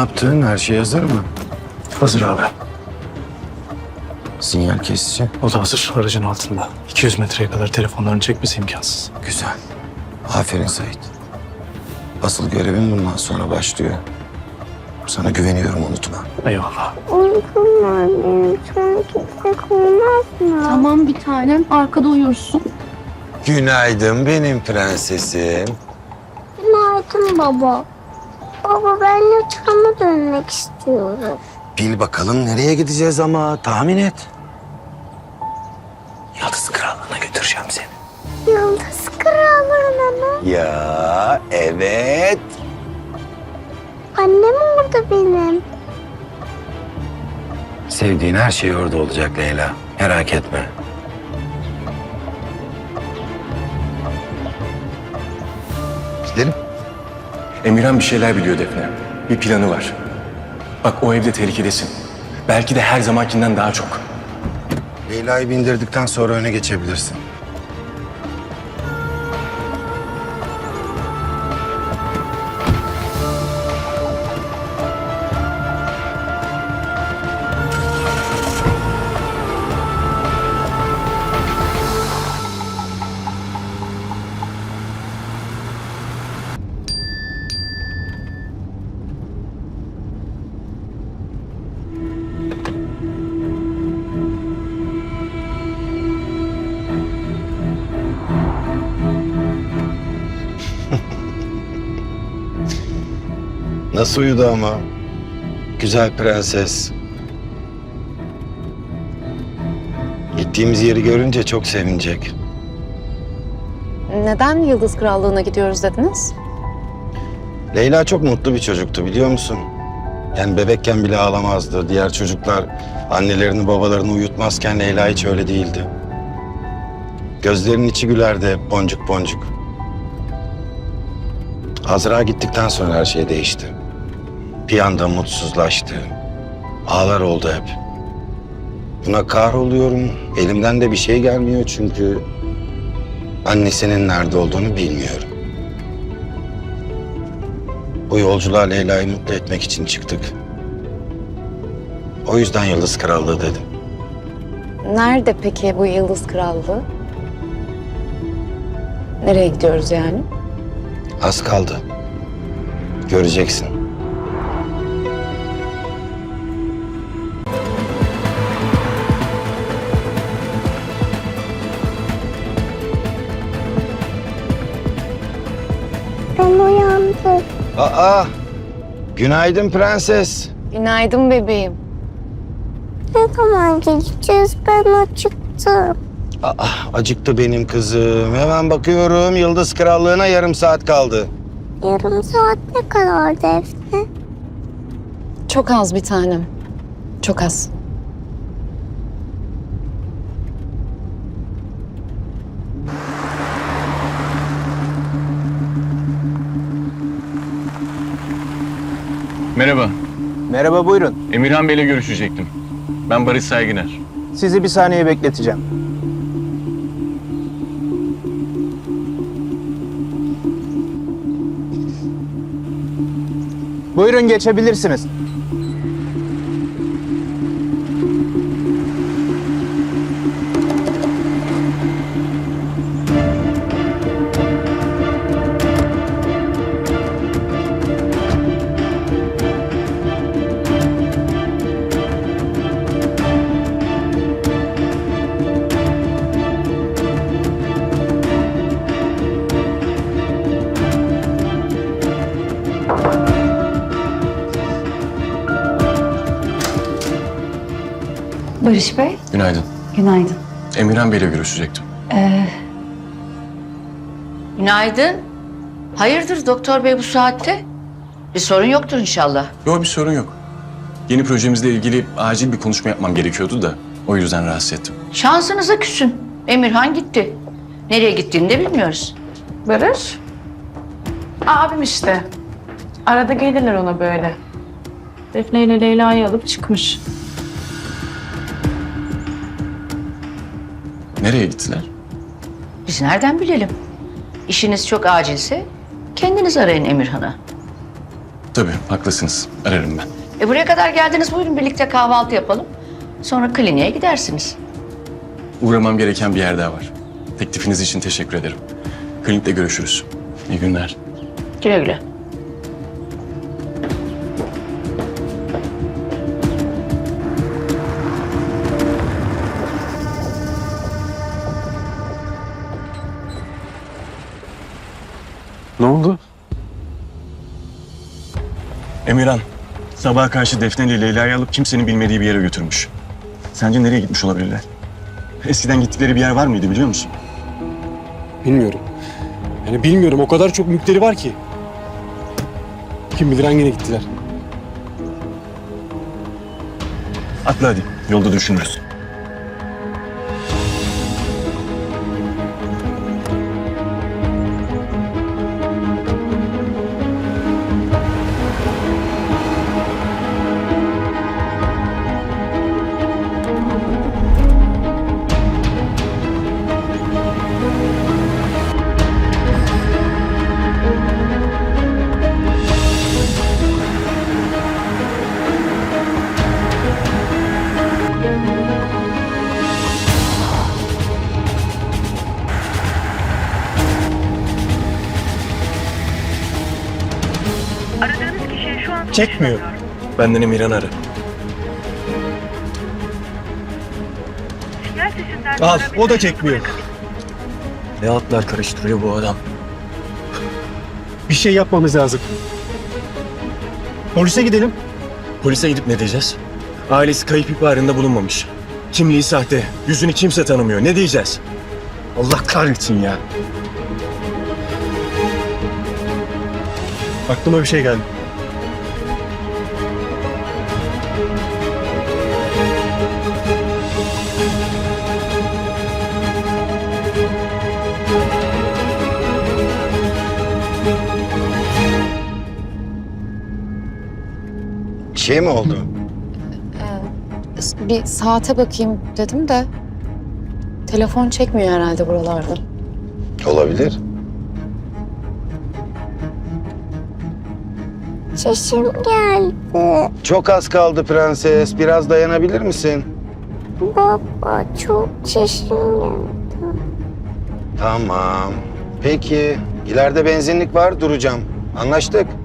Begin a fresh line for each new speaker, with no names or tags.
yaptın? Her şey hazır mı?
Hazır abi.
Sinyal kesici.
O da hazır aracın altında. 200 metreye kadar telefonlarını çekmesi imkansız.
Güzel. Aferin Sait. Asıl görevin bundan sonra başlıyor. Sana güveniyorum, unutma.
Eyvallah.
Uykum var benim. Sonra gitsek olmaz mı?
Tamam bir tanem. Arkada uyursun.
Günaydın benim prensesim.
Günaydın baba. Baba ben yatağıma dönmek istiyorum.
Bil bakalım nereye gideceğiz ama tahmin et. Yıldız Krallığı'na götüreceğim seni.
Yıldız Krallığı'na mı?
Ya evet.
Annem orada benim.
Sevdiğin her şey orada olacak Leyla. Merak etme. Gidelim.
Emirhan bir şeyler biliyor Defne. Bir planı var. Bak o evde tehlikedesin. Belki de her zamankinden daha çok.
Leyla'yı bindirdikten sonra öne geçebilirsin. Nasıl uyudu ama? Güzel prenses. Gittiğimiz yeri görünce çok sevinecek.
Neden Yıldız Krallığı'na gidiyoruz dediniz?
Leyla çok mutlu bir çocuktu, biliyor musun? Yani bebekken bile ağlamazdı. Diğer çocuklar annelerini babalarını uyutmazken Leyla hiç öyle değildi. Gözlerinin içi gülerdi hep, boncuk boncuk. Azra gittikten sonra her şey değişti. Bir anda mutsuzlaştı. Ağlar oldu hep. Buna kahroluyorum. Elimden de bir şey gelmiyor çünkü annesinin nerede olduğunu bilmiyorum. Bu yolculuğa Leyla'yı mutlu etmek için çıktık. O yüzden Yıldız Krallığı dedim.
Nerede peki bu Yıldız Krallığı? Nereye gidiyoruz yani?
Az kaldı. Göreceksin.
Ben uyandım.
Aa! Günaydın prenses.
Günaydın bebeğim.
Ne zaman gideceğiz? Ben acıktım.
Acıktı benim kızım. Hemen bakıyorum. Yıldız Krallığı'na yarım saat kaldı.
Yarım saat ne kadar Defne?
Çok az bir tanem. Çok az.
Merhaba.
Merhaba, buyurun.
Emirhan Bey'le görüşecektim. Ben Barış Saygıner.
Sizi bir saniye bekleteceğim. Buyurun, geçebilirsiniz.
Barış Bey,
Günaydın.
günaydın.
Emirhan Bey'le görüşecektim.
Günaydın. Hayırdır doktor bey bu saatte? Bir sorun yoktur inşallah.
Yok bir sorun yok. Yeni projemizle ilgili acil bir konuşma yapmam gerekiyordu da o yüzden rahatsız ettim.
Şansınıza küsün. Emirhan gitti. Nereye gittiğini de bilmiyoruz.
Barış? Abim işte. Arada gelirler ona böyle. Defne ile Leyla'yı alıp çıkmış.
Nereye gittiler?
Biz nereden bilelim? İşiniz çok acilse kendiniz arayın Emirhan'a.
Tabii haklısınız. Ararım ben.
Buraya kadar geldiniz, buyurun birlikte kahvaltı yapalım. Sonra kliniğe gidersiniz.
Uğramam gereken bir yer daha var. Teklifiniz için teşekkür ederim. Klinikte görüşürüz. İyi günler.
Güle güle.
Ne oldu?
Emirhan, sabaha karşı Defne ile Leyla'yı alıp kimsenin bilmediği bir yere götürmüş. Sence nereye gitmiş olabilirler? Eskiden gittikleri bir yer var mıydı biliyor musun?
Bilmiyorum. Yani bilmiyorum. O kadar çok mülkleri var ki. Kim bilir hangine gittiler.
Atla hadi, yolda düşünürüz.
Çekmiyor.
Benden Emirhan'ı ara.
Al, o da çekmiyor.
Ne atlar karıştırıyor bu adam?
Bir şey yapmamız lazım. Polise gidelim.
Polise gidip ne diyeceğiz? Ailesi kayıp ihbarında bulunmamış. Kimliği sahte, yüzünü kimse tanımıyor. Ne diyeceğiz? Allah kahretsin ya.
Aklıma bir şey geldi.
Bir şey mi oldu?
Bir saate bakayım dedim de telefon çekmiyor herhalde buralarda.
Olabilir.
Çişim geldi.
Çok az kaldı prenses. Biraz dayanabilir misin?
Baba çok çişim geldi.
Tamam. Peki. İleride benzinlik var, duracağım. Anlaştık.